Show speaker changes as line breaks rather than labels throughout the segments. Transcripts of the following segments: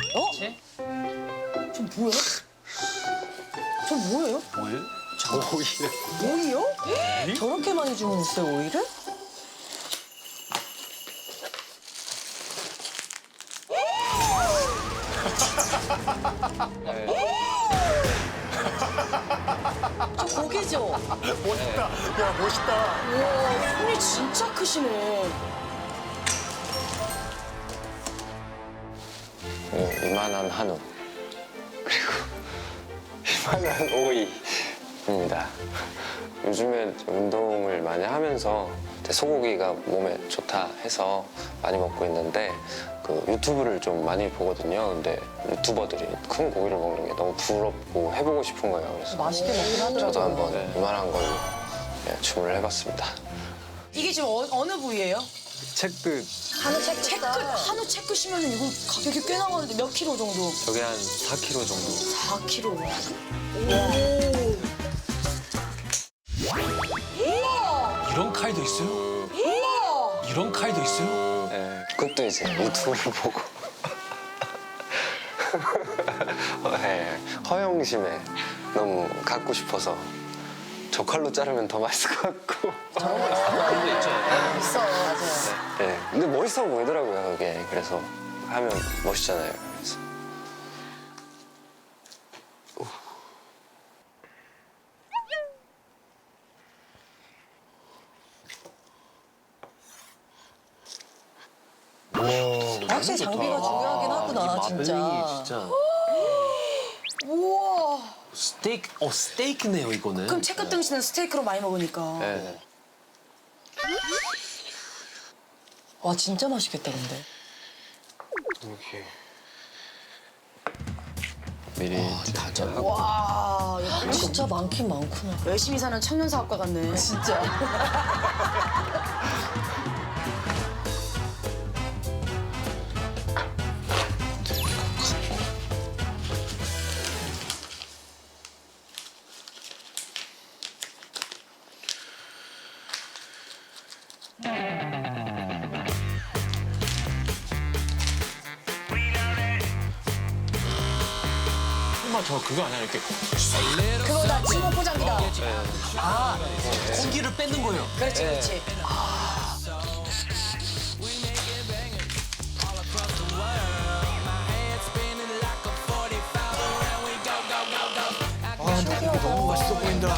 어? 저 뭐야? 저 뭐예요?
뭐예요?
오이요? 저렇게 많이 주문했어요, 오이를? 저 고기죠?
멋있다. 야, 멋있다.
우와, 손이 진짜 크시네.
이만한 한우 그리고 이만한 오이입니다. 요즘에 운동을 많이 하면서 소고기가 몸에 좋다 해서 많이 먹고 있는데 그 유튜브를 좀 많이 보거든요. 근데 유튜버들이 큰 고기를 먹는 게 너무 부럽고 해보고 싶은 거예요. 그래서
맛있게 먹긴 하더라고요.
저도 한번 이만한 걸로 주문을 해봤습니다.
이게 지금 어느 부위예요?
채끝
한우 채끝. 한우 채끝이면 이거 가격이 꽤 나가는데 몇 킬로 정도?
저게 한 4kg 정도.
4킬로. 우와!
이런 칼도 있어요?
우와!
이런 칼도 있어요?
네, 그것도 이제 유튜브를 보고 네, 허영심에 너무 갖고 싶어서 저 칼로 자르면 더 맛있을 것 같고
그런 거 있죠.
있어, 맞아요.
네, 근데 멋있어 보이더라고요 그게. 그래서 하면 멋있잖아요. 그래서
확실히 장비가 중요하긴 하구나, 진짜.
마블링이 진짜.
우와.
스테이크네요, 이거는.
그럼 채끝 등심은 스테이크로 많이 먹으니까.
네.
와, 진짜 맛있겠다, 근데.
이렇게 미리 다 잘라.
와, 이거 진짜 많긴 많구나. 열심히 사는 청년 사업가 같네. 진짜.
정말 저 그거 아니야, 이렇게.
그거다, 친구 포장이다.
공기를 뺏는 거예요.
그렇지, 그렇지.
너무 맛있어 보인다.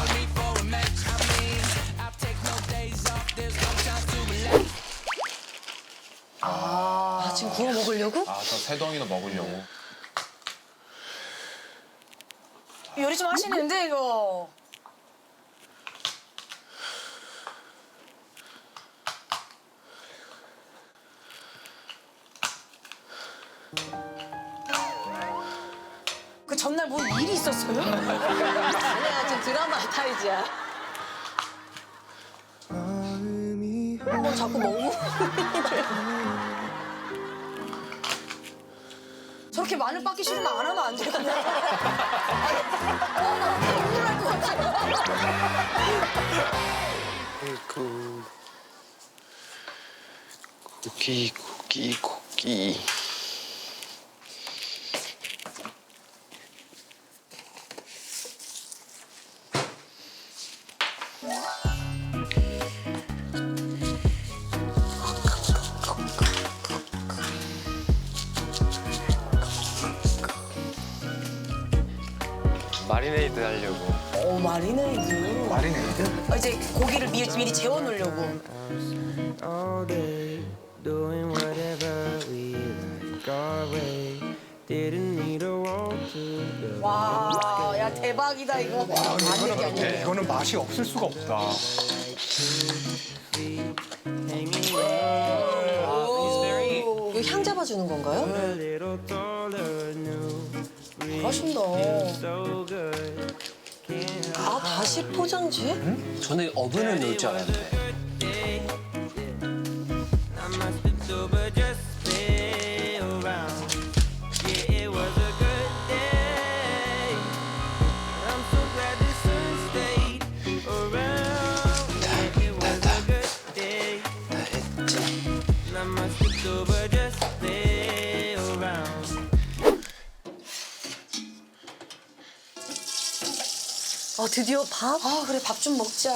아, 지금 구워 먹으려고?
아, 저 세 덩이나 먹으려고.
요리 좀 하시는데, 이거. 그 전날 뭐 일이 있었어요? 아니야, 지금 드라마 타이즈야. 뭐 자꾸 먹고. 저렇게 마늘 빻기 싫으면 안 하면 안 돼, 그냥. 눈물 날 것 같아.
아이고 고기 마리네이드 하려고.
마리네이드.
마리네이드?
이제 고기를 미리 재워놓으려고.
all day, doing whatever we like our way. Didn't need a wall to go.
와, 야 대박이다 이거. 안 되게 안 돼.
이거는 맛이 없을 수가 없다.
Hanging
이거 향 잡아주는 건가요?
a little taller, new.
맛있다.
So good. Can't
아, 다시 포장지?
저는 어분을 넣을 줄 알았는데.
I must have sober just stay around. Yeah, it was a good day. I'm so glad the sun stayed around. Yeah, it was a good day. I must have sober just stay around.
드디어 밥? 아, 그래, 밥 좀 먹자.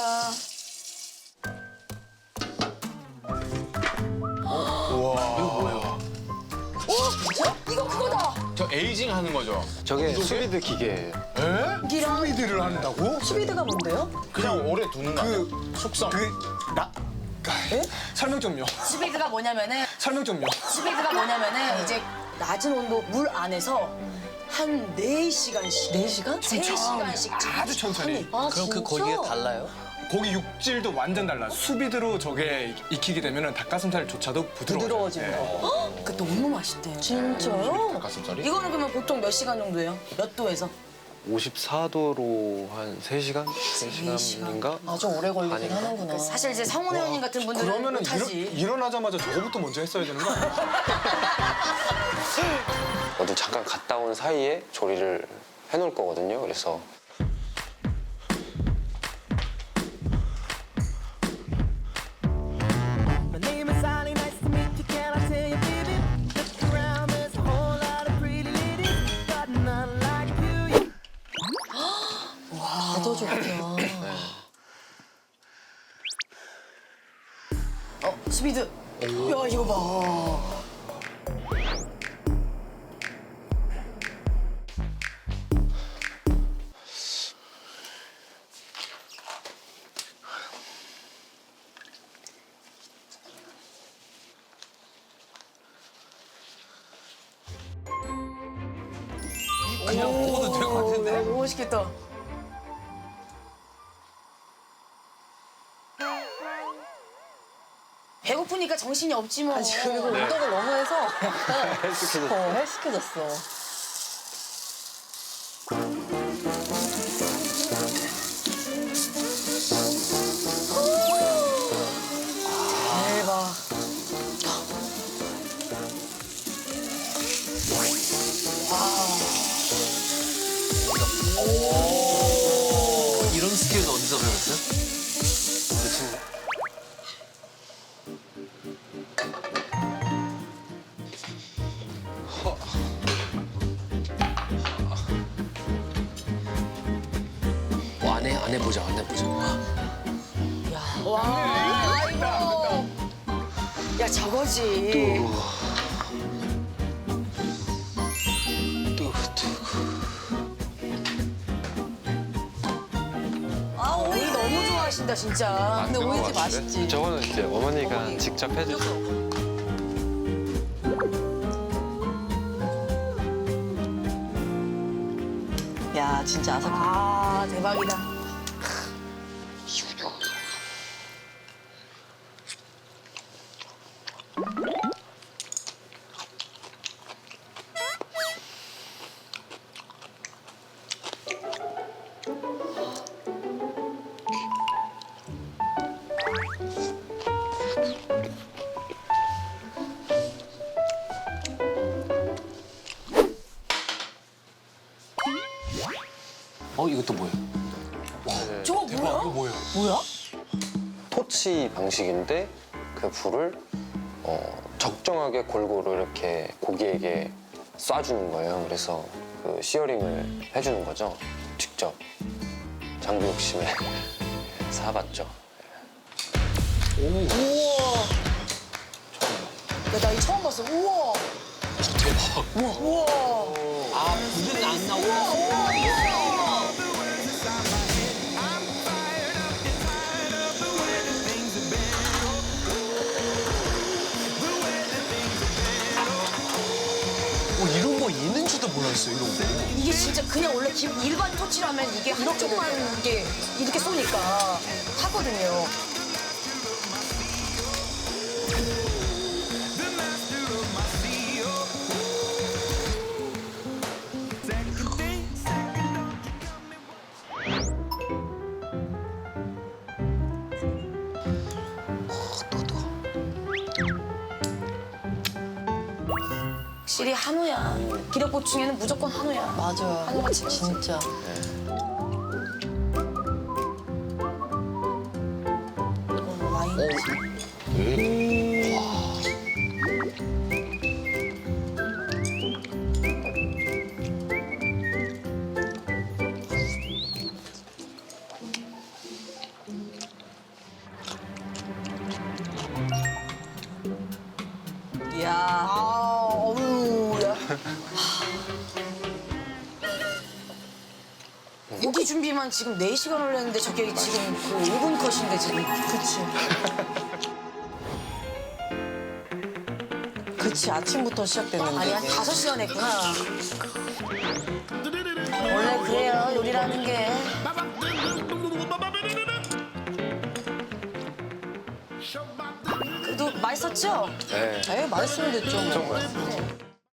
이거 그거다!
저 에이징 하는 거죠?
저게 수비드 기계예요.
에? 수비드를 한다고?
수비드가 뭔데요?
그냥 오래 두는 그 숙성. 설명 좀요.
수비드가 뭐냐면은,
설명 좀요.
이제 낮은 온도 물 안에서 한 4시간씩. 4시간? 3시간씩
아주 천천히.
아,
그럼 그 고기가 달라요?
고기 육질도 완전 달라. 수비드로 저게 익히게 되면 닭가슴살조차도 부드러워지는 거.
그 너무 맛있대요. 진짜요?
닭가슴살이?
이거는 그러면 보통 몇 시간 정도예요? 몇 도에서?
54도로 한 3시간? 3시간인가?
아주 오래 걸리긴
아닌가?
하는구나. 사실 이제 상훈 회원님 같은 분들은
그러면은
못하지.
일어나자마자 저거부터 먼저 했어야 되는 거 아니야?
어디 잠깐 갔다 온 사이에 조리를 해놓을 거거든요. 그래서
My name is Ali, nice to meet you. Can I tell you, baby? Look around, there's a whole lot of pretty ladies, but none like you.
더 좋구나. 스피드. 야, 이거 봐.
그냥 먹어도 될 것 같은데?
너무 맛있겠다. 배고프니까 정신이 없지 뭐.
그리고 운동을 너무 해서 약간 헬스케졌어.
대박.
이런 스킬은 어디서 배웠어요? 안 해보자.
와, 이거. 야, 저거지. 아, 오이 너무 좋아하신다, 진짜.
근데 오이지 맛있지.
저거는 이제 어머니가 직접 해주세요.
야, 진짜 아삭하다.
아, 대박이다.
이것도 뭐예요?
저거 뭐야?
뭐야?
토치 방식인데 그 불을 적정하게 골고루 이렇게 고기에게 쏴주는 거예요. 그래서 그 시어링을 해주는 거죠. 직접 장비 욕심에 사봤죠.
우와. 야, 나 이거 처음 봤어. 우와.
대박.
우와.
아, 불은 안 나오고. 이런 거 있는지도 몰랐어요, 이런 거.
이게 진짜 그냥 원래 일반 토치라면 이게 한쪽만 이렇게 쏘니까 타거든요. 확실히 한우야. 기력 보충에는 무조건 한우야.
맞아요.
한우가 진짜. 와인.
야.
어우, 야. 고기 준비만 지금 4시간 걸렸는데 저게 지금 그 5분 컷인데 지금.
그치, 아침부터 시작됐는데.
아니, 한
이게.
5시간 했구나. 원래 그래요, 요리라는 게. 그래도 맛있었죠?
네.
에이, 맛있으면 됐죠. 뭐.
엄청 맛있어요.